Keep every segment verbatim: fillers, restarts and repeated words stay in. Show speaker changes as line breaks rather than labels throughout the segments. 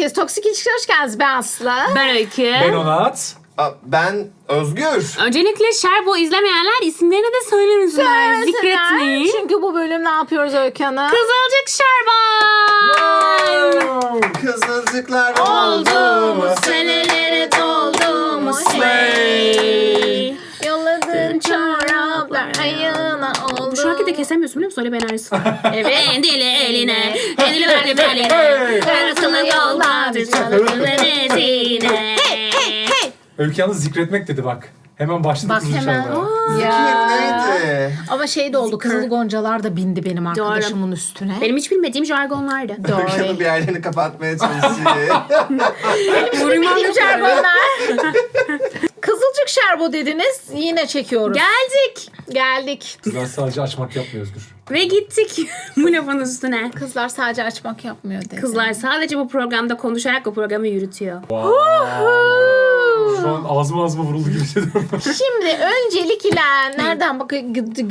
herkes. Toksik İlişkiler hoş geldiniz. Ben Aslı.
Ben Öykü.
Ben Onat.
Ben Özgür.
Öncelikle Şerbo izlemeyenler isimlerini de söylemesinler. Zikretmeyin.
Çünkü bu bölüm ne yapıyoruz Öykü Hanım?
Kızılcık Şerbon.
Kızılcıklar
Oldu mu senelere doldu mu slay.
Yolladığın çoraplar ayağına oldu.
Bu şarkıyı da kesemiyorsun biliyor musun? Öyle bir enerjisi var.
Evet.
Endili eline, endili verdi beline. Karasılı yollardır çalıklı denizine.
Öykü yalnız zikretmek dedi bak. Hemen başladı
Bak
Kızılcık
hemen.
Şerbon.
Ya.
Neydi?
Ama şey de oldu. Kızıl goncalar da bindi benim arkadaşımın üstüne.
Benim hiç bilmediğim jargonlardı.
Öykü'nün
Doğru.
bir yerlerini kapatmaya çalışıyor.
Benim şerbonlar. Kızılcık şerbo dediniz. Yine çekiyoruz.
Geldik.
Geldik.
Kızlar sadece açmak yapmıyor Özgür.
Ve gittik bu lafın üstüne.
Kızlar sadece açmak yapmıyor dedi.
Kızlar sadece bu programda konuşarak bu programı yürütüyor.
Şu an ağzıma ağzıma vuruldu gibi hissediyorum.
Şimdi öncelikle nereden bakıyor?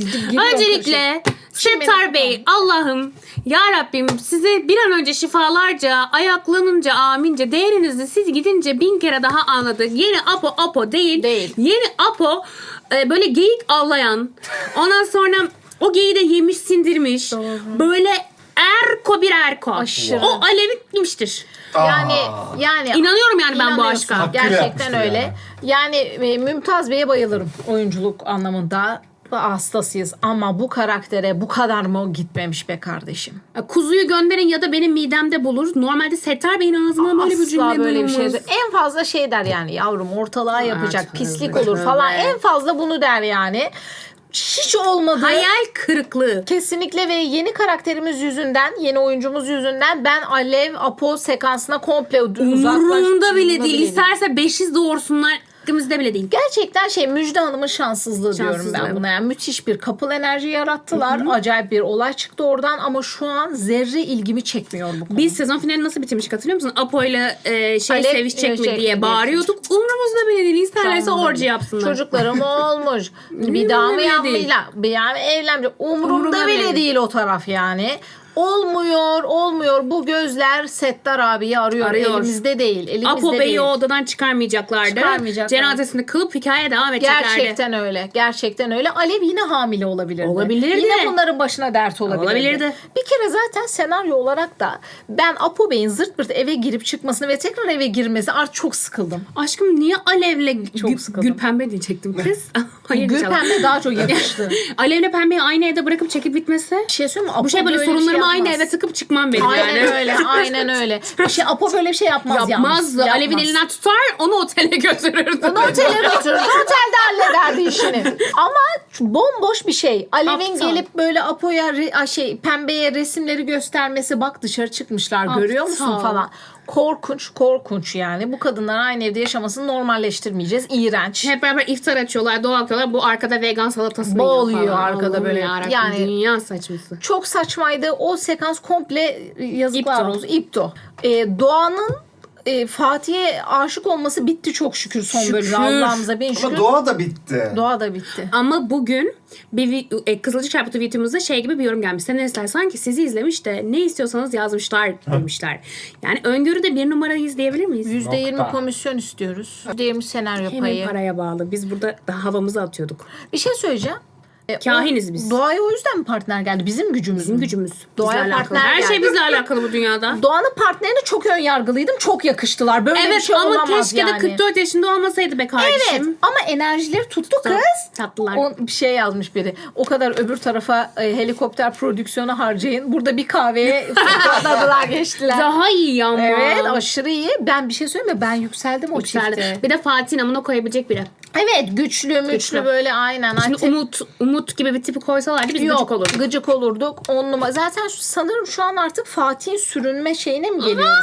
Öncelikle Settar Bey, Allah'ım, Ya Rabbim size bir an önce şifalarca, ayaklanınca, amince, değerinizi siz gidince bin kere daha anladık. Yeni Apo Apo değil.
Değil.
Yeni Apo e, böyle geyik avlayan. Ondan sonra o geyiği de yemiş sindirmiş. Böyle erko bir erko.
Aşırı.
O alevitmiştir.
Yani yani
İnanıyorum yani ben bu
İnanıyorsun.
aşka.
Hakkıyla
Gerçekten
yapmıştır
öyle.
yani.
Yani e, Mümtaz Bey'e bayılırım oyunculuk anlamında. Hastasıyız ama bu karaktere bu kadar mı gitmemiş be kardeşim?
Kuzuyu gönderin ya da benim midemde bulur. Normalde Settar Bey'in ağzından böyle bir
Asla
cümle
böyle bir şey.
duyulmaz.
En fazla şey der yani yavrum ortalığa yapacak
tövbe,
pislik
tövbe.
olur falan. En fazla bunu der yani. Hiç olmadı.
Hayal kırıklığı.
Kesinlikle ve yeni karakterimiz yüzünden, yeni oyuncumuz yüzünden ben Alev Apo sekansına komple uzaklaştım.
Umurumda bile değil. İsterse beşiz doğursunlar. Hakkımızda bile değil.
Gerçekten şey Müjde Hanım'ın şanssızlığı, diyorum
Şanssızlığı.
ben buna. Yani müthiş bir couple enerji yarattılar. Acayip bir olay çıktı oradan ama şu an zerre ilgimi çekmiyor bu konu.
Biz sezon finali nasıl bitirmiştik hatırlıyor musun? Apo'yla e, şey
Alev,
sevişecek mi
sevişecek mi
diye
diye
bağırıyorduk. Umurumuzda bile değil. İsterlerse
Umurumda
orji
değil.
yapsınlar.
Çocuklarım olmuş. Bir daha mı
bile değil.
yapmayla? Bir daha mı evlenmeyecek? Umurumda
Umurumda
bile
bile
değil o taraf yani. Olmuyor, olmuyor. Bu gözler Settar abiyi arıyor.
Arıyor.
Elimizde değil. Elimizde
Apo
değil.
Bey'i o odadan çıkarmayacaklardı.
Çıkarmayacaklar.
Cenazesini kılıp hikaye devam edeceklerdi.
Gerçekten öyle. Gerçekten öyle. Alev yine hamile olabilirdi.
Olabilirdi.
Yine bunların başına dert olabilirdi.
Olabilirdi.
Bir kere zaten senaryo olarak da ben Apo Bey'in zırt pırt eve girip çıkmasını ve tekrar eve girmesi artık çok sıkıldım.
Aşkım niye Alev'le
Çok
Gül,
sıkıldım.
Gül Pembe diyecektim kız. Hayır
Gül
inşallah.
Pembe daha çok yakıştı.
Alev'le Pembe'yi aynı evde bırakıp çekip bitmesi.
Bir şey söyleyeyim mi? Apo
Bu şey böyle
bir şey
sorunlarımı aynı
yapmaz.
eve tıkıp çıkmam benim
Aynen
yani.
öyle. Aynen öyle. Şey, Apo böyle bir şey yapmaz,
Yapmaz.
yalnız.
Alev'in
Yapmaz.
elinden tutar onu otele götürürdü.
Onu otele götürürdü. Otelde hallederdi işini. Ama bomboş bir şey. Alev'in
Aptal.
gelip böyle Apo'ya re- a, şey pembeye resimleri göstermesi, bak dışarı çıkmışlar görüyor musun
Aptal.
falan. Korkunç, korkunç yani. Bu kadınlar aynı evde yaşamasını normalleştirmeyeceğiz. İğrenç.
Hep beraber iftar açıyorlar, dua okuyorlar. Bu arkada vegan salatası
Boğuluyor
yiyor falan.
arkada
Allah'ım
böyle.
yarabbim,
Yani-
dünya saçması.
Çok saçmaydı. O sekans komple yazıklar
İpto.
olsun. İpto. Ee, Doğan'ın e, Fatih'e aşık olması bitti çok şükür son
Şükür.
bölümde. Allah'ımıza bin şükür.
Ama doğa da bitti.
Doğa da bitti.
Ama bugün bir vi- e, Kızılcık Şerbeti videomuzda şey gibi bir yorum gelmiş. Senaristler sanki sizi izlemiş de ne istiyorsanız yazmışlar demişler. Yani öngörüde bir numarayı izleyebilir miyiz?
yüzde yirmi
Nokta.
komisyon istiyoruz. yüzde yirmi senaryo
Hemen
payı.
paraya bağlı. Biz burada da havamızı atıyorduk.
Bir şey söyleyeceğim. E,
Kahiniz
o-
biz.
Doğaya o yüzden mi partner geldi? Bizim gücümüz
Bizim
mü?
gücümüz.
Doğaya
Bizle alakalı.
partner
Her şey
geldi.
bizle alakalı bu dünyada.
Doğan'ın partnerine çok ön yargılıydım. Çok yakıştılar. Böyle bir
Evet
şey
ama
olamaz
keşke
yani.
de kırk dört yaşında olmasaydı be kardeşim.
Evet ama enerjileri tuttu kız.
Tatlılar.
O bir şey yazmış biri. O kadar öbür tarafa e, helikopter prodüksiyonu harcayın. Burada bir kahveye fırladılar geçtiler.
Daha iyi ama.
Evet aşırı iyi. Ben bir şey söyleyeyim mi? Ben yükseldim o
Yükseldi.
çifte.
Bir de Fatih'in amına koyabilecek biri.
Evet güçlü müçlü
Güçlü.
böyle aynen.
Şimdi
Artık-
Umut, Umut gibi bir tipi koysalardı biz gıcık
Yok
olurduk.
gıcık olurduk. On numara. Zaten şu- sanırım şu an artık Fatih'in sürünme şeyine mi geliyoruz?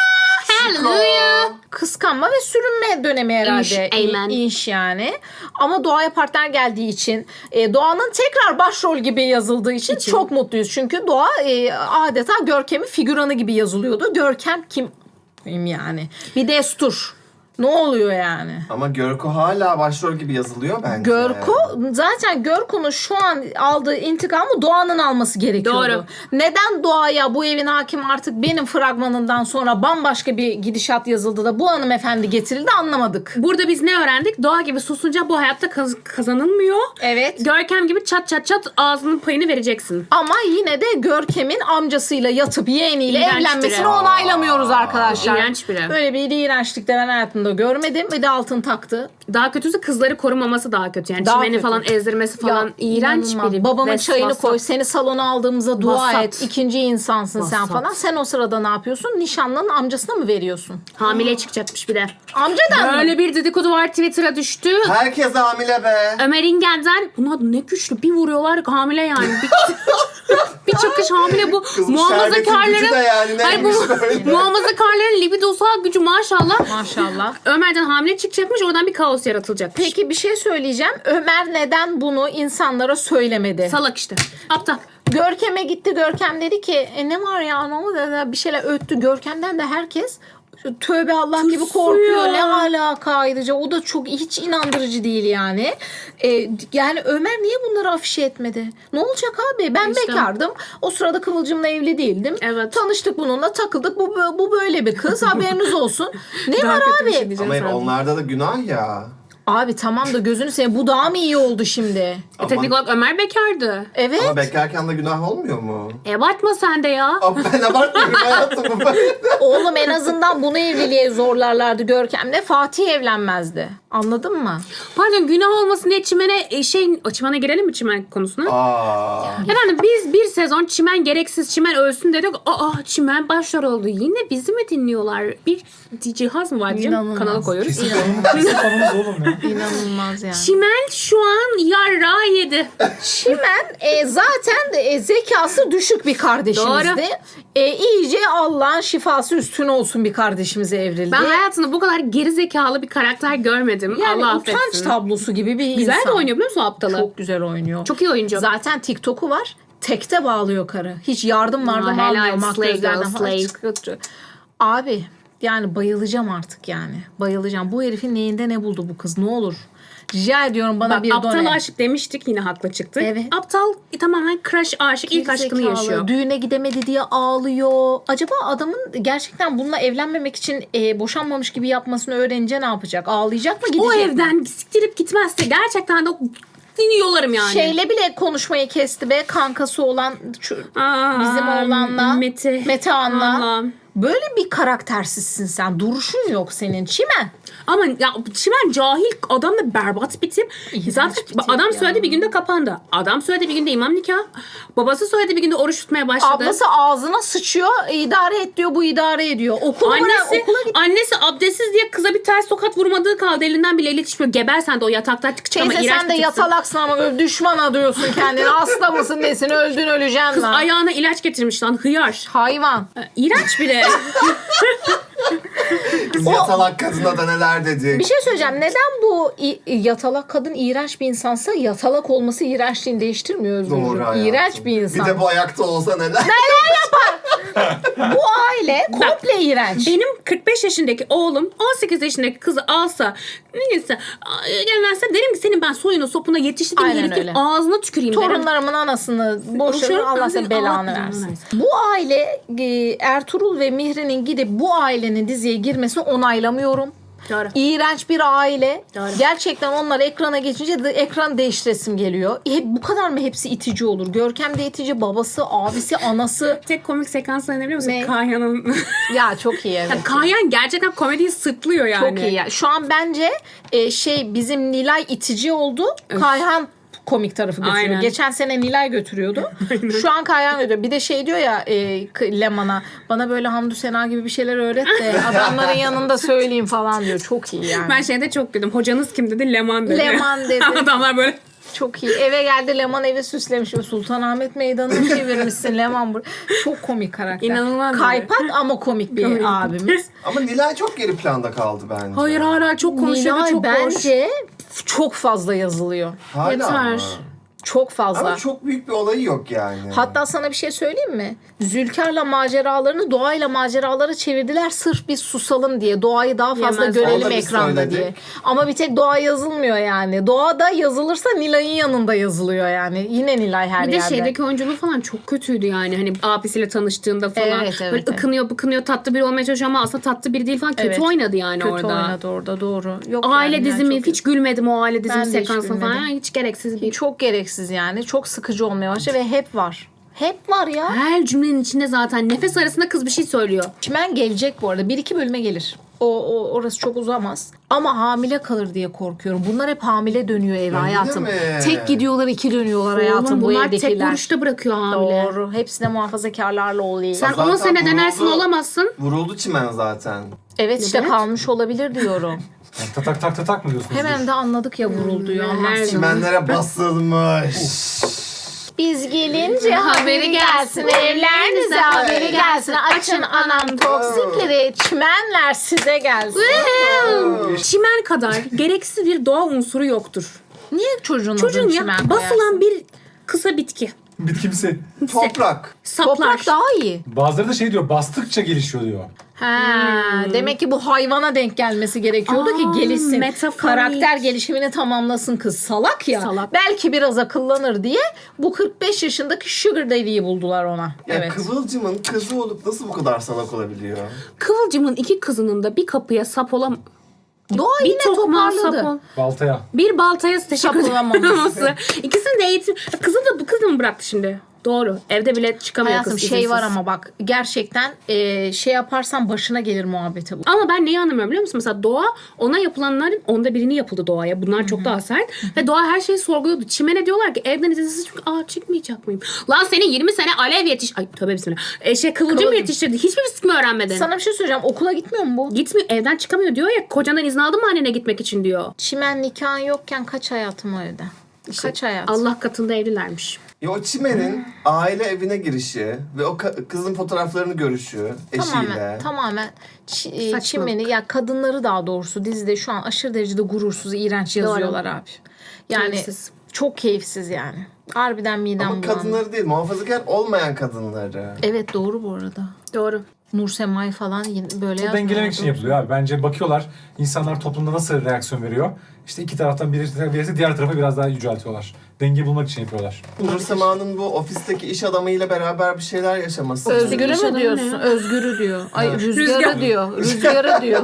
Hallelujah.
Kıskanma ve sürünme dönemi herhalde.
İnş,
İ-
amen.
İnş yani. Ama Doğa'ya partner geldiği için e, Doğa'nın tekrar başrol gibi yazıldığı için,
İçin.
çok mutluyuz. Çünkü Doğa e, adeta Görkem'in figüranı gibi yazılıyordu. Görkem kim? Kim yani? Bir destur. Ne oluyor yani?
Ama Görko hala başrol gibi yazılıyor bence.
Görko zaten Görko'nun şu an aldığı intikamı Doğan'ın alması gerekiyordu.
Doğru.
Neden Doğa'ya bu evin hakim artık benim fragmanından sonra bambaşka bir gidişat yazıldı da bu hanımefendi getirildi anlamadık.
Burada biz ne öğrendik? Doğa gibi susunca bu hayatta kaz- kazanılmıyor.
Evet.
Görkem gibi çat çat çat ağzının payını vereceksin.
Ama yine de Görkem'in amcasıyla yatıp yeğeniyle
İğrenç
evlenmesini
biri.
onaylamıyoruz arkadaşlar.
İğrenç biri.
Böyle bir iğrençlik de ben hayatımda görmedim. Bir de altın taktı.
Daha kötüsü kızları korumaması daha kötü. Yani
Daha
çimeni
kötü.
falan ezdirmesi falan
Ya,
iğrenç
inanılmaz.
biri.
Babamın
Ves-
çayını
vasat.
koy. Seni salona aldığımıza dua
Vasat.
et. İkinci insansın sen
Vasat.
falan. Sen o sırada ne yapıyorsun? Nişanlının amcasına mı veriyorsun?
Hamile çıkacakmış bir de.
Amcadan mı?
Böyle bir dedikodu var, Twitter'a düştü.
Herkes hamile be.
Ömer İngender, bunlar ne güçlü, bir vuruyorlar hamile yani. Bir, bir çıkış hamile bu.
Kızım, şerbetin gücü de
Muhafazakarların
yani
Hayır, bu
neymiş böyle?
muhafazakarların libidosal gücü maşallah.
Maşallah.
Ömer'den hamile çıkacakmış, oradan bir kaos yaratılacak.
Peki bir şey söyleyeceğim. Ömer neden bunu insanlara söylemedi?
Salak işte. Aptal.
Görkem'e gitti. Görkem dedi ki e, ne var ya ne oldu? Bir şeyler öttü. Görkem'den de herkes tövbe Allah gibi
Tırsıyor.
korkuyor. Ne alaka ayrıca? O da çok hiç inandırıcı değil yani. E, yani Ömer niye bunları afişe etmedi? Ne olacak abi? Ben
İşte.
bekardım. O sırada Kıvılcım'la evli değildim.
Evet.
Tanıştık bununla takıldık. Bu, bu böyle bir kız. Haberiniz olsun. Ne
Daha
var
kötü bir
abi?
şey diyeceğim
Ama
sana.
onlarda da günah ya.
Abi tamam da gözünü seveyim. Bu daha mı iyi oldu şimdi?
E, teknik olarak Ömer bekardı.
Evet.
Ama bekarken de günah olmuyor mu?
E abartma sen de ya.
Ama ben abartmıyorum hayatım.
Oğlum en azından bunu evliliğe zorlarlardı Görkem'le. Fatih evlenmezdi. Anladın mı?
Pardon, günah olmasın diye çimene e, şey çimene girelim mi çimen konusuna?
Aa.
Efendim biz bir sezon çimen gereksiz çimen ölsün dedik. Aa çimen başrol oldu. Yine bizi mi dinliyorlar? Bir cihaz mı var diyeceğim.
İnanılmaz.
Kanala koyuyoruz.
Kesin kanımız, kesin kanımız oğlum ya.
İnanılmaz yani.
Çimen şu an yarra yedi.
Çimen e, zaten de, e, zekası düşük bir kardeşimizdi.
Doğru.
E, iyice Allah'ın şifası üstüne olsun bir kardeşimize evrildi.
Ben hayatımda bu kadar geri zekalı bir karakter görmedim.
yani
Allah
utanç
affetsin.
tablosu gibi bir
Güzel
insan.
de oynuyor biliyor musun o aptalı?
Çok güzel oynuyor.
Çok iyi oyuncu.
Zaten TikTok'u var. Tekte bağlıyor karı. Hiç yardım vardım
Aa, helal.
almıyor.
Slay
Makyözlerden
girl,
falan
slay.
çıkıyor. Abi yani bayılacağım artık yani. Bayılacağım. Bu herifin neyinde ne buldu bu kız? Ne olur. Rica ediyorum bana
Bak,
bir
aptal
done.
aşık demiştik, yine haklı çıktı.
Evet.
Aptal e, tamamen crush aşık, ilk aşkını
Gerizekalı.
yaşıyor.
Düğüne gidemedi diye ağlıyor. Acaba adamın gerçekten bununla evlenmemek için e, boşanmamış gibi yapmasını öğrenince ne yapacak? Ağlayacak mı, gidecek
O
mi?
evden siktirip gitmezse gerçekten de yolarım yani.
Şeyle bile konuşmayı kesti be, kankası olan şu,
Aa,
bizim oğlanla
Mete.
Mete An'la.
Allah'ım.
Böyle bir karaktersizsin sen. Duruşun yok senin. Çimen.
Ama ya Çimen cahil, adam da berbat bir tip.
İğrenç
Zaten
bir tip
adam
ya.
söyledi bir günde kapandı. Adam söyledi bir günde imam nikah. Babası söyledi bir günde oruç tutmaya başladı.
Ablası ağzına sıçıyor. İdare et diyor, bu idare ediyor. Okula,
Annesi,
okula git.
annesi abdestsiz diye kıza bir ters tokat vurmadığı kaldı. Elinden bile iletişmiyor. Geber sen de o yataktan çık çık ama
Teyze
iğrenç
sen
bir
de
tipsin.
yatalaksın ama böyle düşman adıyorsun kendini. Hasta mısın nesin, öldün öleceksin
Kız
lan.
ayağına ilaç getirmiş lan, hıyar.
Hayvan.
İğrenç biri.
Kız yatalak kadına da neler dedi.
Bir şey söyleyeceğim. Neden bu i- yatalak kadın iğrenç bir insansa yatalak olması iğrençliğini değiştirmiyor Özgürcüğüm.
Doğru hayatım.
İğrenç bir insan.
Bir de bu ayakta olsa neler.
Bu aile komple iğrenç.
Benim kırk beş yaşındaki oğlum on sekiz yaşındaki kızı alsa, neyse gelmezse derim ki senin ben soyunu sopuna yetiştirdiğim
Aynen
herifin
öyle.
ağzına tüküreyim derim.
Torunlarımın anasını boşarım,
Boşarım,
Allah senin
Allah
belanı
belanı
versin.
versin.
Bu aile e, Ertuğrul ve Mihri'nin gidip bu ailenin diziye girmesini onaylamıyorum.
Doğru.
İğrenç bir aile.
Doğru.
Gerçekten onlar ekrana geçince de ekran değiştiresim geliyor. Hep, bu kadar mı hepsi itici olur? Görkem de itici, babası, abisi, anası.
Tek komik sekansları ne biliyor musun?
Ne?
Kahya'nın.
Ya çok iyi evet.
Yani Kahyan gerçekten komediyi sırtlıyor yani.
Çok iyi ya. Şu an bence e, şey bizim Nilay itici oldu. Kayhan komik tarafı götürüyor.
Aynen.
Geçen sene Nilay götürüyordu. Şu an Kayhan götürüyor. Bir de şey diyor ya e, K- Leman'a, bana böyle Hamdü Sena gibi bir şeyler öğret de adamların yanında söyleyeyim falan diyor. Çok iyi yani.
Ben şeyde çok güldüm. Hocanız kim dedi? Leman dedi.
Leman dedi.
Adamlar böyle.
Çok iyi. Eve geldi, Leman evi süslemiş. Sultanahmet Meydanı'nı çevirmişsin Leman. bur- Çok komik karakter.
İnanılmaz bir-
Kaypak ama komik bir
Komik.
abimiz.
Ama Nilay çok geri planda kaldı bence.
Hayır hala çok konuşuyor ve
Nilay
çok boş.
bence çok fazla yazılıyor.
Hala
Yeter.
mı?
Çok fazla.
Ama çok büyük bir olayı yok yani.
Hatta sana bir şey söyleyeyim mi? Zülkar'la maceralarını doğayla maceralara çevirdiler sırf biz susalım diye. Doğayı daha fazla
Yemez.
görelim
Onu da biz
ekranda
söyledik.
diye. Ama bir tek doğa yazılmıyor yani. Doğada yazılırsa Nilay'ın yanında yazılıyor yani. Yine Nilay her
Bir de
yerde.
şeydeki oyunculuğu falan çok kötüydü yani. Hani abisiyle tanıştığında falan.
Evet, evet,
böyle
evet.
ıkınıyor bıkınıyor tatlı biri olmaya çalışıyor ama aslında tatlı biri değil falan. Kötü
Evet.
oynadı yani
Kötü
orada.
oynadı orada doğru. Yok
Aile
yani,
dizimi
yani çok-
hiç gülmedim o aile dizimi
Ben de hiç
sekansına falan.
gülmedim.
Hiç gereksiz bir.
Çok gereksiz yani. Çok sıkıcı olmaya başladı ve hep var. Hep var ya.
Her cümlenin içinde zaten nefes arasında kız bir şey söylüyor.
Çimen gelecek bu arada. Bir iki bölüme gelir. O, o orası çok uzamaz. Ama hamile kalır diye korkuyorum. Bunlar hep hamile dönüyor eve
Öyle
hayatım.
mi?
Tek gidiyorlar, iki dönüyorlar hayatım
Oğlum
bu
bunlar tek
evdekiler.
vuruşta bırakıyor hamile.
Doğru. Hepsi de muhafazakarlarla oluyor.
Sen
Zaten
on sene denersin
vuruldu.
olamazsın.
Vuruldu çimen zaten.
Evet işte
Evet.
kalmış olabilir diyorum.
Yani tatak tak tatak mı diyorsunuz?
Hemen de anladık ya vurulduyu.
Hmm,
Allah
her
seni.
Çimenlere basılmış.
Biz gelince haberi gelsin, evlerinize haberi gelsin. Açın anam toksikleri, çimenler size gelsin.
Çimen kadar gereksiz bir doğa unsuru yoktur.
Niye çocuğun
Çocuğun
adını
ya
çimen
basılan
koyarsın?
bir kısa bitki.
Bitkimsi.
Toprak.
Saplar.
Toprak daha iyi.
Bazıları da şey diyor, bastıkça gelişiyor diyor.
Ha, demek ki bu hayvana denk gelmesi gerekiyordu
Hmm. Aa,
ki gelişsin.
metaforik.
Karakter gelişimini tamamlasın kız. Salak ya.
Salak.
Belki biraz akıllanır diye bu kırk beş yaşındaki Sugar Daddy'yi buldular ona.
Ya
Evet.
Kıvılcım'ın kızı olup nasıl bu kadar salak olabiliyor?
Kıvılcımın iki kızının da bir kapıya sap olam...
Doğa
Bir
yine
tokmağa sap
toparladı.
ol...
Baltaya.
Bir baltaya teşekkür
Sapılamaması.
ederim. İkisini de eğitim... Kızı da bu kızı mı bıraktı şimdi? Doğru. Evde bile çıkamıyor
Hayatım
kız
şey
izinsiz.
var ama bak gerçekten e, şey yaparsan başına gelir muhabbete bu.
Ama ben neyi anlamıyorum biliyor musun? Mesela Doğa ona yapılanların onda birini yapıldı Doğa'ya. Bunlar çok daha sert. Ve Doğa her şeyi sorguluyordu. Çimen'e diyorlar ki evden izinsiz çünkü aa çıkmayacak mıyım? Lan senin yirmi sene alev yetiş... Ay tövbe bismillah. E, şey Kıvılcım
Kıvılcım.
yetiştirdi. Hiçbir risk mi öğrenmedin?
Sana bir şey söyleyeceğim. Okula gitmiyor mu bu?
Gitmiyor. Evden çıkamıyor diyor ya. Kocandan izin aldın mı annene gitmek için diyor.
Çimen nikahın yokken kaç hayatım o evde? Kaç hayat?
Allah katında evlilermiş.
Ya o çimenin aile evine girişi ve o ka- kızın fotoğraflarını görüşü eşiyle.
Tamamen, tamamen Ç- e,
Saçmalık.
çimeni ya kadınları daha doğrusu dizide şu an aşırı derecede gurursuz, iğrenç yazıyorlar abi. Yani
Keyifsiz.
çok keyifsiz yani. Harbiden midem
Ama
bulandı.
kadınları değil, muhafazakar olmayan kadınları.
Evet doğru bu arada.
Doğru.
Nur Semay falan yine böyle
O dengelemek
yazmıyorlar,
için
doğru.
yapılıyor abi. Bence bakıyorlar insanlar toplumda nasıl reaksiyon veriyor. İşte iki taraftan birisi, birisi diğer tarafa biraz daha yüceltiyorlar. Denge bulmak için yapıyorlar.
Nur Sema'nın bu ofisteki iş adamıyla beraber bir şeyler yaşaması.
Özgür'ü
Yaşadın
mü diyorsun?
ne?
Özgür'ü diyor. Ay
Evet.
rüzgarı
Rüzgar.
diyor. Rüzgarı diyor.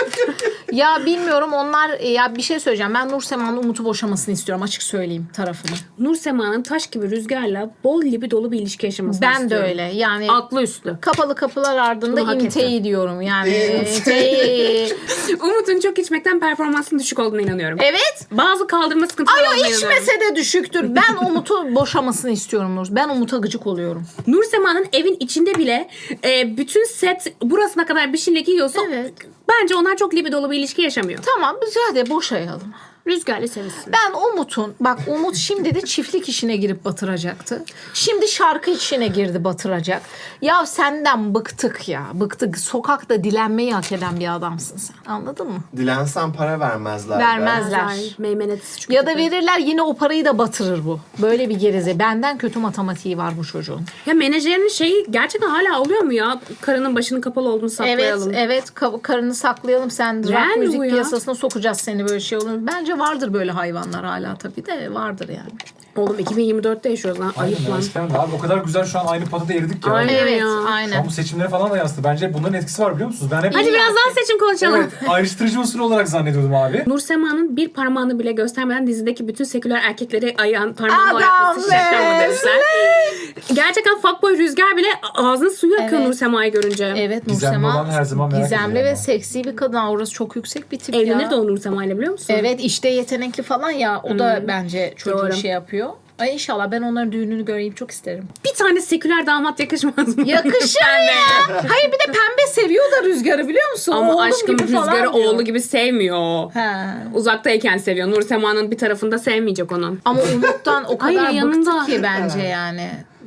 Ya bilmiyorum onlar ya bir şey söyleyeceğim. Ben Nur Sema'nın Umut'u boşamasını istiyorum açık söyleyeyim tarafını.
Nur Sema'nın taş gibi rüzgarla bol gibi dolu bir ilişki yaşamasını
Ben de
istiyorum.
öyle. Yani
Aklı üstü.
kapalı kapılar ardında
Bunu hak
imteyi diyorum. Yani
İmteyi.
imteyi.
Umut'un çok içmekten performansının düşük olduğuna inanıyorum.
Evet.
Bazı kaldırma sıkıntıları
Ay o
olduğuna inanıyorum.
içmese de düşüktür. Ben Umut'u boşamasını istiyorum Nur. Ben Umut'a gıcık oluyorum.
Nur Sema'nın evin içinde bile e, bütün set burasına kadar bir şeyle giyiyorsa
Evet.
bence onlar çok libidolu bir ilişki yaşamıyor.
Tamam biz hadi boşayalım.
Rüzgarla sevişsin.
Ben Umut'un, bak Umut şimdi de çiftlik işine girip batıracaktı. Şimdi şarkı işine girdi batıracak. Ya senden bıktık ya, bıktık. Sokakta dilenmeyi hak eden bir adamsın sen. Anladın mı?
Dilensen para vermezler. be.
Vermezler.
Meymenetsiz çünkü.
Ya da verirler yine o parayı da batırır bu. Böyle bir gerize. Benden kötü matematiği var bu çocuğun.
Ya menajerinin şeyi gerçekten hala oluyor mu ya? Karının başının kapalı olduğunu
Evet,
saklayalım.
evet. Ka- karını saklayalım. Sen rock
Rand
müzik
bu ya.
piyasasına sokacağız seni böyle şey olur. Bence vardır böyle hayvanlar hala tabii de vardır yani.
Oğlum iki bin yirmi dörtte yaşıyoruz lan.
Aynen
Ayıp lan.
eskiden de abi o kadar güzel şu an aynı potada eridik ya.
Aynen.
Evet,
ya.
Şu an
aynen.
bu seçimlere falan da yansıdı. Bence bunların etkisi var biliyor musunuz? Ben hep
Hadi biraz daha seçim konuşalım.
evet, ayrıştırıcı unsur olarak zannediyordum abi.
Nur Sema'nın bir parmağını bile göstermeden dizideki bütün seküler erkekleri ayağın parmağını
Adam
oynatması şeklem
be,
demişler. Gerçekten fuckboy Rüzgar bile ağzının suyu akıyor
Evet.
Nur Sema'yı görünce.
Evet Nur
Gizemli
Sema
olan her zaman merak
gizemli
ediyorum
ve
ama.
seksi bir kadın. Orası çok yüksek bir tip
Evlenir
ya.
de o Nur Sema'yla biliyor musun?
Evet işte yetenekli falan ya. O da bence çocuğu
Doğru.
şey yapıyor. Ay inşallah ben onların düğününü göreyim çok isterim.
Bir tane seküler damat yakışmaz mı?
Yakışır ya. Hayır bir de pembe seviyor da Rüzgar'ı biliyor musun?
Ama
Oğlum
aşkım
gibi falan
Rüzgar'ı
diyor.
oğlu gibi sevmiyor.
He.
Uzaktayken seviyor. Nur Sema'nın bir tarafında sevmeyecek onu.
Ama Umut'tan o kadar
Hayır, yanında.
bıktık ki bence yani.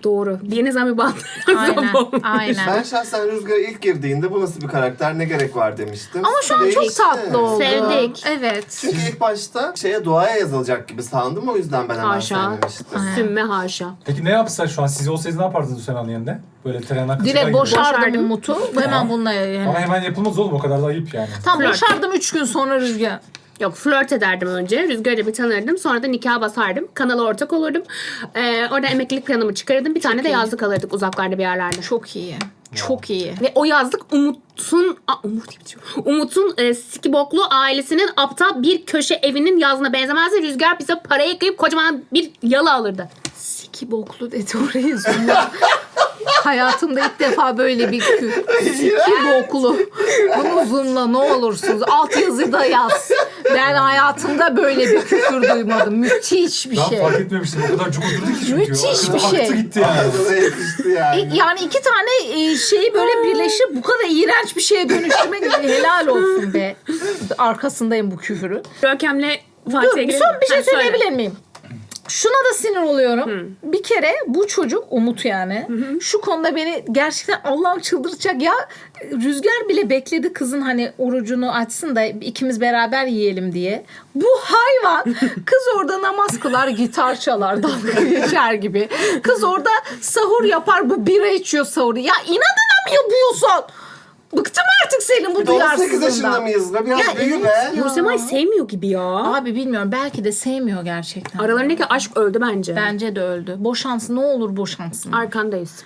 Doğru. Deniz abi bağlı.
Aynen. Aynen.
Ben şahsen Rüzgar ilk girdiğinde bu nasıl bir karakter, ne gerek var demiştim.
Ama şu an çok
Değişti.
tatlı oldu.
Sevdik.
Evet.
Çünkü ilk başta şeye, duaya yazılacak gibi sandım, o yüzden ben hemen
Haşa.
sevmemiştim.
Sümme haşa.
Peki ne yapsa şu an? Siz olsaydınız ne yapardınız Hüseyin yerinde? Böyle trenden kaçacak
Direkt
gibi.
boşardım
Boşardım.
Umut'u. Hemen bununla yani.
Ama hemen yapılmaz oğlum, o kadar da ayıp yani.
Tam
Flört.
boşardım üç gün sonra Rüzgar.
Yok, flört ederdim önce. Rüzgar'la bir tanırdım. Sonra da nikah basardım. Kanala ortak olurdum. Ee, orada emeklilik planımı çıkarırdım. Bir tane de yazlık alırdık uzaklarda bir yerlerde.
Çok iyi. Çok iyi.
Ve o yazlık Umut'un Aa, Umut diye bitiyor. Umut'un e, sikiboklu ailesinin aptal bir köşe evinin yazına benzemezdi. Rüzgar bize parayı ekleyip kocaman bir yalı alırdı.
Siki boklu dedi orayı zoomla. Hayatımda ilk defa böyle bir kü. Siki boklu. Bunu zoomla ne olursunuz. Alt yazı da yaz. Ben hayatımda böyle bir küfür duymadım. Müthiş bir
Ben
şey.
fark etmemiştim, o kadar cuk oturdu ki çünkü.
Müthiş bir
Aktı
şey.
gitti yani.
Ağzına yakıştı yani.
Yani iki tane e, şeyi böyle birleşip bu kadar iğrenç bir şeye dönüştürmek helal olsun be. Arkasındayım bu küfürün.
Görkem'le
Dur
Fatih'e
bir
girelim.
son bir şey
Ha, söyle.
söyleyebilir miyim? Şuna da sinir oluyorum. Bir kere bu çocuk Umut yani şu konuda beni gerçekten Allah'ım çıldırtacak ya. Rüzgar bile bekledi kızın hani orucunu açsın da ikimiz beraber yiyelim diye. Bu hayvan kız orada namaz kılar, gitar çalar, dalga geçer gibi. Kız orada sahur yapar, bu bira içiyor sahuru. Ya inadına mı yapıyorsun? Bıktım artık senin bu
Bir de on sekiz yaşında
duyarsızlığından.
mıyız be? Biraz
Ya
büyü
evet
be.
ya.
Nursemay sevmiyor gibi ya.
Abi bilmiyorum, belki de sevmiyor gerçekten.
Aralarındaki aşk öldü bence.
Bence de öldü. Boşansın, ne olur boşansın.
Arkandayız.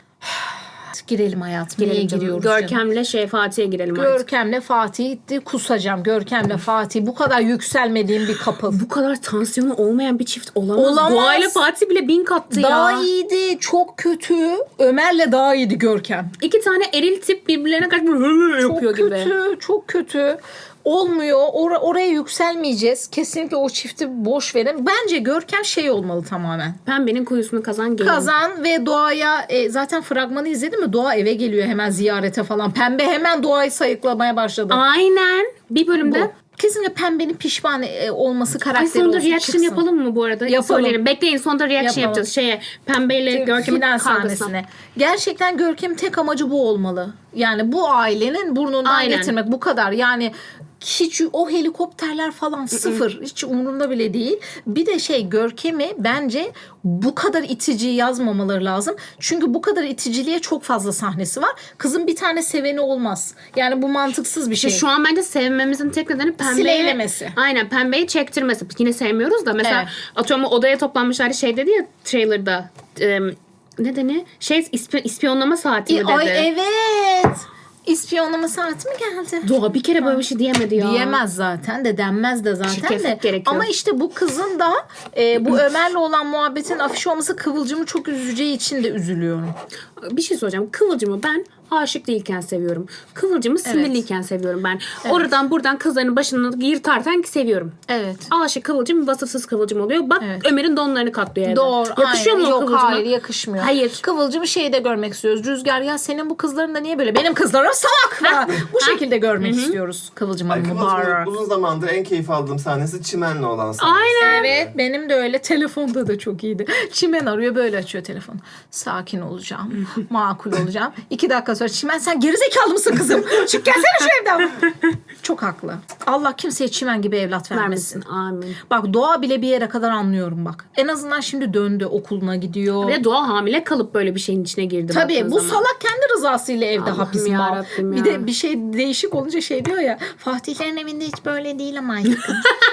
Girelim hayatım. Niye
Girelim canım.
giriyoruz canım?
Görkem'le şey Fatih'e girelim artık.
Görkem'le Fatih gitti. Kusacağım. Görkem'le Fatih. Bu kadar yükselmediğim bir couple.
Bu kadar tansiyonu olmayan bir çift olamaz.
Olamaz.
Doğayla Fatih bile bin kattı ya.
Daha iyiydi. Çok kötü. Ömer'le daha iyiydi Görkem.
İki tane eril tip birbirlerine karşı böyle hı hı
Çok
yapıyor
kötü.
gibi.
Çok kötü. Olmuyor. Or- oraya yükselmeyeceğiz. Kesinlikle o çifti boş verin. Bence Görkem şey olmalı tamamen.
Pembenin kuyusunu kazan gelin.
Kazan ve Doğa'ya e, zaten fragmanı izledin mi? Doğa eve geliyor hemen ziyarete falan. Pembe hemen Doğa'yı sayıklamaya başladı.
Aynen. Bir bölümde.
Bu. Kesinlikle Pembe'nin pişman e, olması
Ay
karakteri
sonunda
olsun,
reaction
çıksın.
yapalım mı bu arada?
Yapalım.
Söyleyelim. Bekleyin sonunda reaction
Yapalım.
yapacağız. Şeye Pembe'yle Görkem'in
Final
kavgasına.
sahnesine. Gerçekten Görkem'in tek amacı bu olmalı. Yani bu ailenin burnundan
Aynen.
getirmek, bu kadar. Yani hiç o helikopterler falan sıfır. Hiç umurunda bile değil. Bir de şey, Görkem'i bence bu kadar itici yazmamaları lazım. Çünkü bu kadar iticiliğe çok fazla sahnesi var. Kızın bir tane seveni olmaz. Yani bu mantıksız bir şey.
İşte şu an bence sevmemizin tek nedeni Pembe'yi...
Sileylemesi.
Aynen Pembe'yi çektirmesi. Yine sevmiyoruz da mesela
Evet.
atıyorum odaya toplanmışlar şey dedi ya trailer'da. E, ne deni? Şey ispi- ispiyonlama saati mi
E,
dedi?
ay evet. İspiyonlama saati mi geldi?
Doğa bir kere böyle bir şey diyemedi ya.
Diyemez zaten de, denmez de zaten
Şirketlik
de.
gerekiyor.
Ama işte bu kızın da e, bu Ömer'le olan muhabbetin afiş olması Kıvılcım'ı çok üzeceği için de üzülüyorum.
Bir şey soracağım. Kıvılcım'ı ben aşık değilken seviyorum. Kıvılcım'ı sinirliyken seviyorum ben. Oradan buradan kızların başını yırtarken seviyorum.
Evet.
Aşık Kıvılcım vasıfsız Kıvılcım oluyor. Bak
Evet.
Ömer'in donlarını katlıyor evde.
Doğru.
Yakışıyor
aynen.
mu o
Yok
Kıvılcım'a?
hayır, yakışmıyor.
Hayır.
Kıvılcım'ı şeyde görmek istiyoruz. Rüzgar, ya senin bu kızların da niye böyle? Benim kızlarım salak falan. Bu şekilde görmek istiyoruz Kıvılcım
Ay,
Hanım'ı.
Kıvılcım'ın
Bağırarak.
uzun zamandır en keyif aldığım sahnesi Çimen'le olan sahnesi.
Aynen.
Evet, benim de öyle. Telefonda da çok iyiydi. Çimen arıyor, böyle açıyor telefonu. Sakin olacağım. Makul olacağım. İki dakika sonra Çimen, sen gerizekalı mısın kızım? Çık gelsene şu evden. Çok haklı. Allah kimseye Çimen gibi evlat vermesin.
Vermesin. Amin.
Bak Doğa bile bir yere kadar anlıyorum bak. En azından şimdi döndü, okuluna gidiyor.
Ve Doğa hamile kalıp böyle bir şeyin içine girdi.
Tabii
baktığın
bu
zaman.
salak kendi rızasıyla evde
Allah'ım
hapis mal.
yarabbim
Bir
ya.
de bir şey değişik olunca şey diyor ya, Fatihlerin evinde hiç böyle değil ama aşkım.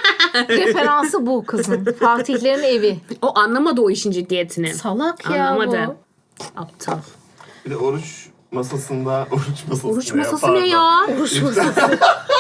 Referansı bu kızın. Fatihlerin evi.
O anlamadı o işin ciddiyetini.
Salak ya
Anlamadı.
bu.
Aptal.
Bir de oruç masasında, oruç masası
Oruç
ne
masası
pardon.
ne ya?
Oruç masası.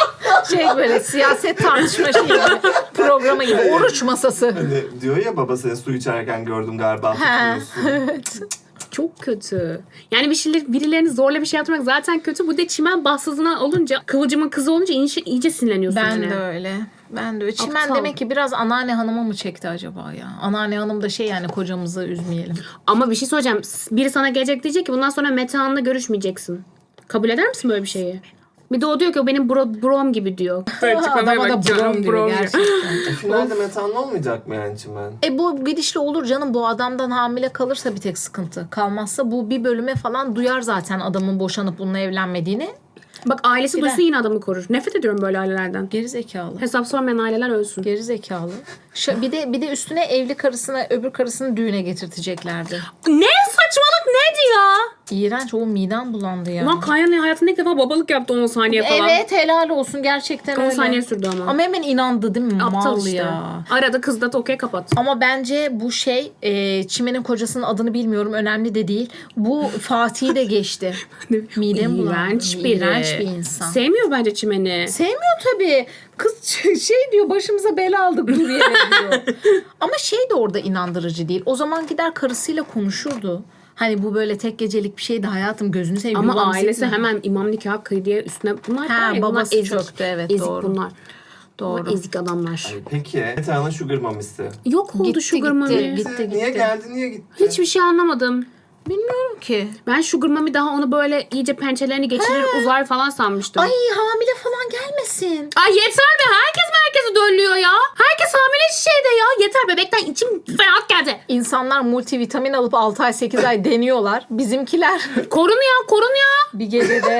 Şey böyle siyaset tartışma şeyi gibi. Programı gibi. Oruç masası.
Hani diyor ya, baba seni su içerken gördüm galiba,
Ha,
tutmuyorsun.
evet.
Çok kötü. Yani bir şeyler, birilerini zorla bir şey yapmak zaten kötü. Bu da çimen bahtsızına olunca, Kıvılcım'ın kızı olunca iyice, iyice sinirleniyorsun.
Ben
yine.
de öyle. Ben de öyle. Çimen
Aptal.
demek ki biraz anneanne hanıma mı çekti acaba ya? Anneanne hanım da şey, yani kocamızı üzmeyelim.
Ama bir şey söyleyeceğim. Biri sana gelecek diyecek ki bundan sonra Metehan'la görüşmeyeceksin. Kabul eder misin böyle bir şeyi? Bir de o diyor ki o benim bro, brom gibi diyor.
Adama da brom diyor gerçekten.
E, finalde metanlı olmayacak mı yani Çimen?
E bu gidişle olur canım, bu adamdan hamile kalırsa bir tek sıkıntı. Kalmazsa bu bir bölüme falan duyar zaten adamın boşanıp bununla evlenmediğini.
Bak ailesi
Gider.
duysa yine adamı korur. Nefret ediyorum böyle ailelerden.
Geri zekalı.
Hesap sormayan aileler ölsün.
Geri zekalı. Ş- bir de bir de üstüne evli karısına öbür karısını düğüne getirteceklerdi.
Ne saçmalık neydi ya?
İğrenç, o midem bulandı ya.
Ulan Kayan hayatında ilk defa babalık yaptı on saniye falan.
Evet, helal olsun gerçekten
on
öyle.
saniye sürdü ama.
Ama hemen inandı değil mi?
Aptal
Mal
işte.
ya.
Arada kız da okey kapat.
Ama bence bu şey e, Çimen'in kocasının adını bilmiyorum, önemli de değil. Bu Fatih'i de geçti. Midem bulandı.
İğrenç biri.
İğrenç bir insan.
Sevmiyor bence Çimen'i.
Sevmiyor tabii. Kız şey diyor, başımıza bela aldık dur yere diyor. Ama şey de orada inandırıcı değil. O zaman gider karısıyla konuşurdu. Hani bu böyle tek gecelik bir şeydi hayatım, gözünü seveyim.
Ama
yuvamı
ailesi
yıkma.
hemen imam nikahı kıy diye üstüne bunlar
Ha,
var ya, bunlar
babası
ezik.
çöktü, evet,
ezik
doğru.
bunlar.
Doğru.
Doğru. Ezik adamlar.
Ay, peki Metan'ın sugar mamisi.
Yok oldu
Gitti,
Sugar
gitti,
Mami.
gitti.
Niye geldi niye gitti?
Hiçbir şey anlamadım.
Bilmiyorum ki.
Ben Sugar Mami daha onu böyle iyice pençelerini geçirir uzar falan sanmıştım.
Ay hamile falan gelmesin.
Ay yeter be, herkes merkezi dönüyor ya. Herkes hamile şeyde ya. Yeter, bebekten içim ferah geldi.
İnsanlar multivitamin alıp altı ay sekiz ay deniyorlar. Bizimkiler
Korun ya, korun ya.
bir gecede.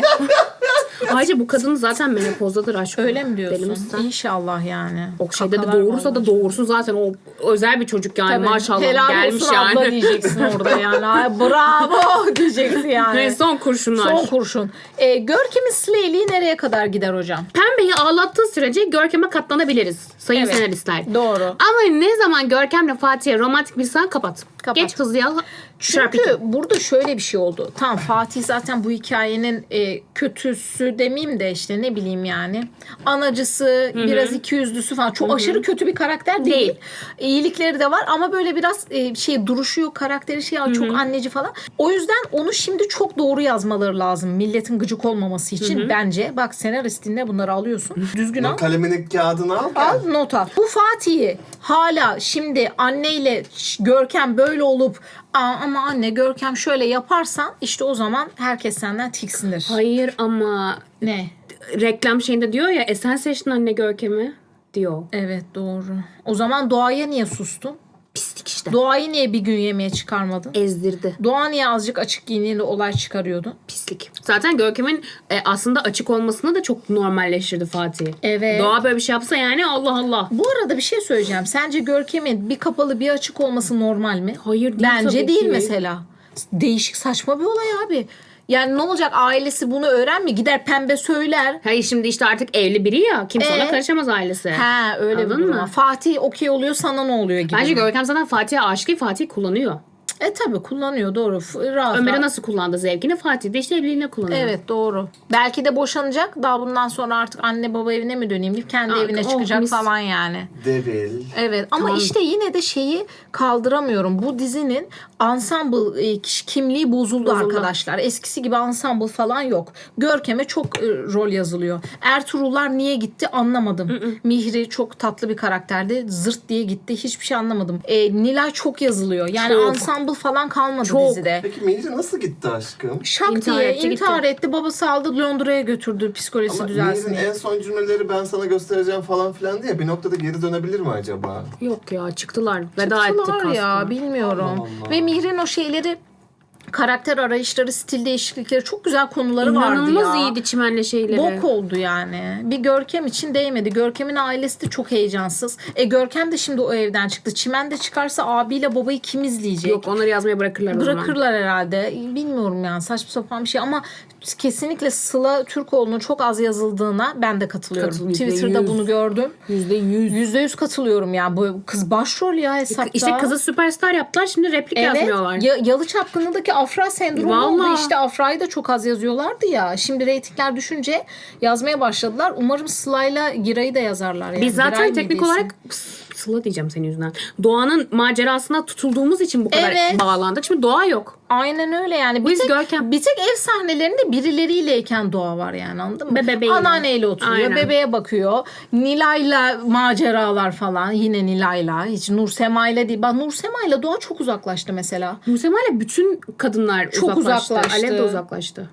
Ayrıca bu kadın zaten menopozdadır aşkım.
Öyle mi
Deli
diyorsun?
misin?
İnşallah yani.
O şeyde de
Kakalar
doğurursa
vallahi.
da doğursun zaten, o özel bir çocuk yani.
Tabii,
Maşallah
helal
gelmiş
olsun
yani.
abla diyeceksin orada yani. Ay, bravo diyeceksin yani.
Ve son kurşunlar.
Son kurşun. Ee, Görkem'in Slay'liği nereye kadar gider hocam?
Pembeyi ağlattığı sürece Görkem'e katlanabiliriz sayın
Evet.
senaristler.
Doğru.
Ama ne zaman Görkem'le Fatih'e romantik bir sahne kapat.
Kapat.
Geç hızlıya.
Çünkü burada şöyle bir şey oldu. Tamam, Fatih zaten bu hikayenin e, kötüsü demeyeyim de işte ne bileyim yani. Anacısı, biraz ikiyüzlüsü falan. Çok aşırı kötü bir karakter değil.
Değil.
İyilikleri de var ama böyle biraz e, şey duruşu yok, karakteri şey çok anneci falan. O yüzden onu şimdi çok doğru yazmaları lazım. Milletin gıcık olmaması için bence. Bak senarist dinle, bunları alıyorsun. Düzgün al.
Kaleminin kağıdını al.
Al not al. Bu Fatih'i hala şimdi anneyle Görkem böyle olup Aa, ama anne Görkem şöyle yaparsan işte o zaman herkes senden tiksinir.
Hayır ama
Ne?
reklam şeyinde diyor ya, e sen seçtin anne Görkem'i diyor.
Evet doğru. O zaman Doğa'ya niye sustun?
Pislik işte.
Doğa'yı niye bir gün yemeğe çıkarmadın?
Ezdirdi.
Doğa niye azıcık açık giyiniyle olay çıkarıyordu?
Pislik. Zaten Görkem'in e, aslında açık olmasını da çok normalleştirdi Fatih.
Evet.
Doğa böyle bir şey yapsa yani Allah Allah.
Bu arada bir şey söyleyeceğim. Sence Görkem'in bir kapalı bir açık olması normal mi?
Hayır değil
Bence
tabii
değil
ki.
mesela. Değişik, saçma bir olay abi. Yani ne olacak, ailesi bunu öğrenmiyor. Gider pembe söyler.
Hayır şimdi işte artık evli biri ya. Kimse
Ee?
ona karışamaz ailesi.
Ha öyle
Anladın
bir durum
mı?
var. Fatih okey oluyor, sana ne oluyor gibi.
Bence Görkem zaten Fatih'e aşık değil, Fatih kullanıyor.
E tabi kullanıyor, doğru. F- Rahat
Ömer'e
rahat.
nasıl kullandı zevkini, Fatih de işte evliliğine kullanıyor.
Evet doğru. Belki de boşanacak. Daha bundan sonra artık anne baba evine mi döneyim deyip kendi
Aa,
evine
oh,
çıkacak
mis.
falan yani.
Devil.
Evet ama
Tamam.
işte yine de şeyi kaldıramıyorum. Bu dizinin ensemble e, kiş- kimliği bozuldu,
Bozuldu.
arkadaşlar. Eskisi gibi ensemble falan yok. Görkem'e çok e, rol yazılıyor. Ertuğrullar niye gitti anlamadım. Mihri çok tatlı bir karakterdi. Zırt diye gitti. Hiçbir şey anlamadım. E, Nilay çok yazılıyor. Yani
Çok.
ensemble falan kalmadı
Çok.
dizide.
Peki Mihri nasıl gitti aşkım?
Şak
İntihar
diye
etti,
intihar etti. Babası aldı Londra'ya götürdü psikolojisi
Ama
düzelsin
Mihri'nin
diye.
en son cümleleri ben sana göstereceğim falan filan diye bir noktada geri dönebilir mi acaba?
Yok ya, çıktılar. Veda ettik
Çıktılar ya
aslında.
bilmiyorum.
Allah Allah.
Ve Mihri'nin o şeyleri, karakter arayışları, stil değişiklikleri, çok güzel konuları vardı ya.
İnanılmaz iyiydi çimenle şeyleri.
Bok oldu yani. Bir Görkem için değmedi. Görkem'in ailesi de çok heyecansız. E Görkem de şimdi o evden çıktı. Çimen de çıkarsa abiyle babayı kim izleyecek?
Yok, onları yazmaya bırakırlar o zaman.
Bırakırlar herhalde. Bilmiyorum yani, saçma sapan bir şey ama kesinlikle Sıla Türkoğlu'nun çok az yazıldığına ben de katılıyorum.
Katılıyorum, yüzde
Twitter'da
yüz.
bunu gördüm.
Yüzde yüz.
Yüzde yüz katılıyorum ya. Bu kız başrol ya hesapta.
İşte kızı süperstar yaptılar, şimdi replik
Evet.
yazmıyorlar.
Ya, Yalı Çapkını'ndaki Afra sendromu oldu.
Vallahi.
İşte Afra'yı da çok az yazıyorlardı ya. Şimdi reytingler düşünce yazmaya başladılar. Umarım Sıla'yla Giray'ı da yazarlar. Yani.
Biz zaten
Giray
teknik
mıydı
olarak Sıla diyeceğim senin yüzünden. Doğan'ın macerasına tutulduğumuz için bu kadar
Evet.
bağlandık. Şimdi Doğa yok.
Aynen öyle yani. Bir
Biz
tek,
Görkem.
bir tek ev sahnelerinde birileriyleyken Doğa var yani, anladın mı?
Be- bebeğiyle.
Anneanneyle oturuyor.
Aynen.
Bebeğe bakıyor. Nilay'la maceralar falan. Yine Nilay'la. Hiç Nur Sema'yla değil. Bak Nur Sema'yla Doğa çok uzaklaştı mesela.
Nursema ile bütün kadınlar
Çok
uzaklaştı.
uzaklaştı.
Alev de uzaklaştı.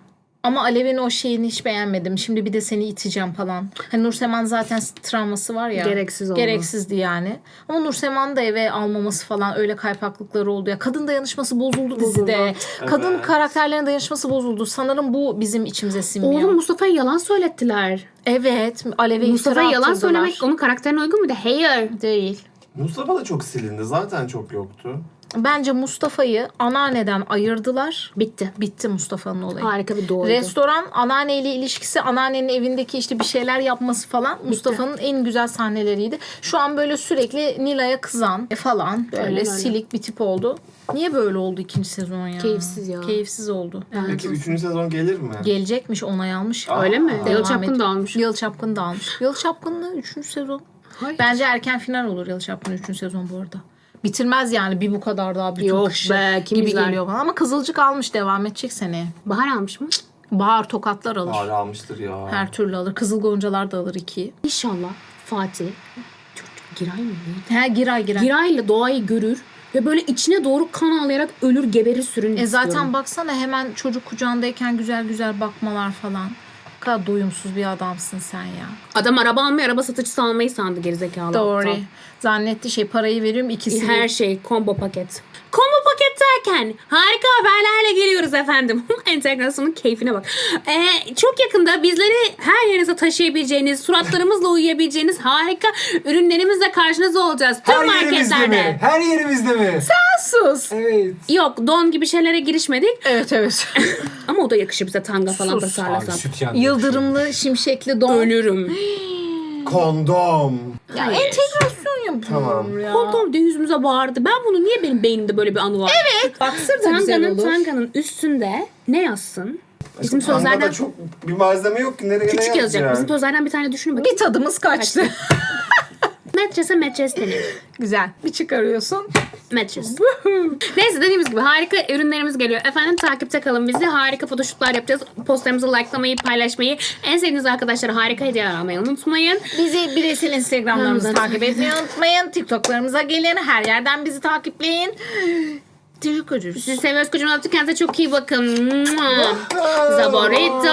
Ama Alev'in o şeyini hiç beğenmedim. Şimdi bir de seni iteceğim falan. Hani Nurseman zaten travması var ya.
Gereksiz oldu.
Gereksizdi yani. Ama Nurseman'ı da eve almaması falan öyle kaypaklıkları oldu ya. Kadın dayanışması bozuldu dizide. Kadın
Evet.
karakterlerin dayanışması bozuldu. Sanırım bu bizim içimize sinmiyor.
Oğlum Mustafa'ya yalan söylettiler.
Evet. Alev'e
Mustafa'ya
iftira
yalan
atıldılar.
söylemek onun karakterine uygun muydu? Hayır.
Değil.
Mustafa da çok silindi. Zaten çok yoktu.
Bence Mustafa'yı anneanneden ayırdılar.
Bitti.
Bitti Mustafa'nın olayı.
Harika bir doğruydu.
Restoran, anneanneyle ilişkisi, anneannenin evindeki işte bir şeyler yapması falan Mustafa'nın en güzel sahneleriydi. Şu an böyle sürekli Nilay'a kızan e falan böyle
Aynen öyle.
silik bir tip oldu. Niye böyle oldu ikinci sezon ya?
Keyifsiz ya.
Keyifsiz oldu.
Peki üçüncü sezon gelir mi?
Gelecekmiş, onay almış.
Öyle mi?
Devam
Yalı Çapkın
et-
da almış.
Yalı Çapkın da almış. Yalı Çapkın'la üçüncü sezon.
Hayır.
Bence erken final olur Yalı Çapkın üçüncü sezon bu arada. Bitirmez yani bir bu kadar daha bütün
Yok
kışı
be, kim
gibi
izler?
geliyor bana. Ama Kızılcık almış, devam edecek seneye.
Bahar almış mı?
Bahar tokatlar alır.
Ağrı almıştır ya.
Her türlü alır. Kızıl Goncalar da alır ikiyi.
İnşallah Fatih. Çocuk Giray mı? neydi?
He Giray Giray.
Giray'la doğayı görür ve böyle içine doğru kan ağlayarak ölür geberir sürün
E zaten
istiyorum.
baksana hemen çocuk kucağındayken güzel güzel bakmalar falan. Ne kadar doyumsuz bir adamsın sen ya.
Adam araba almayı, araba satıcısı almayı sandı gerizekalı.
Doğru.
aptal.
Zannetti şey parayı veriyorum ikisi.
Her şey combo paket. Combo paket derken harika haberlerle geliyoruz efendim. Entegrasyonun keyfine bak. Ee, çok yakında bizleri her yerinize taşıyabileceğiniz, suratlarımızla uyuyabileceğiniz harika ürünlerimizle karşınızda olacağız. Tüm
Her yerimizde
marketlerde.
mi? Her yerimizde mi?
Sus.
Evet.
Yok don gibi şeylere girişmedik.
Evet evet.
Ama o da yakışır bize tanga falan
Sus.
Abi
tasarlasak.
süt yandı. şey.
Yıldırımlı şimşekli don.
Ölürüm.
Kondom.
Ya
Hayır.
entegrasyon yapıyorum
Tamam.
ya.
Kondom diye yüzümüze bağırdı. Ben bunu niye benim beynimde böyle bir anı var?
Evet. Baksır da güzel
Tanganın,
olur.
tanganın üstünde ne yazsın? Bizim
Tangada
sözlerden
çok bir malzeme yok ki. Nereye ne
küçük yazacak. Bizim
yazacak?
sözlerden bir tane düşünün bakayım.
Bir tadımız kaçtı.
Metrese metres denir.
Güzel. Bir çıkarıyorsun.
Metres. Neyse dediğimiz gibi harika ürünlerimiz geliyor. Efendim takipte kalın bizi. Harika fotoşutlar yapacağız. Postlarımızı likelamayı, paylaşmayı, en sevdiğiniz arkadaşlara harika hediyeler almayı unutmayın.
Bizi bireysel Instagram'larımızı
Evet.
takip etmeyi unutmayın. TikTok'larımıza gelin. Her yerden bizi takipleyin. Teşekkür ederiz.
Sizi seviyoruz kocaman öptük. Kendinize çok iyi bakın. Zaborito.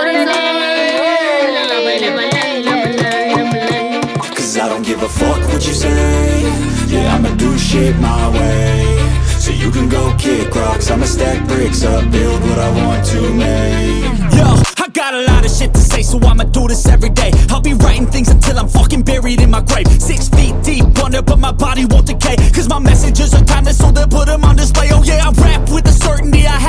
Cause I don't give a fuck what you say. Yeah, I'ma do shit my way. So you can go kick rocks, I'ma stack bricks up, build what I want to make. Yo, I got a lot of shit to say, so I'ma do this every day. I'll be writing things until I'm fucking buried in my grave. Six feet deep under, but my body won't decay. Cause my messages are timeless, so they'll put them on display. Oh yeah, I rap with the certainty I have.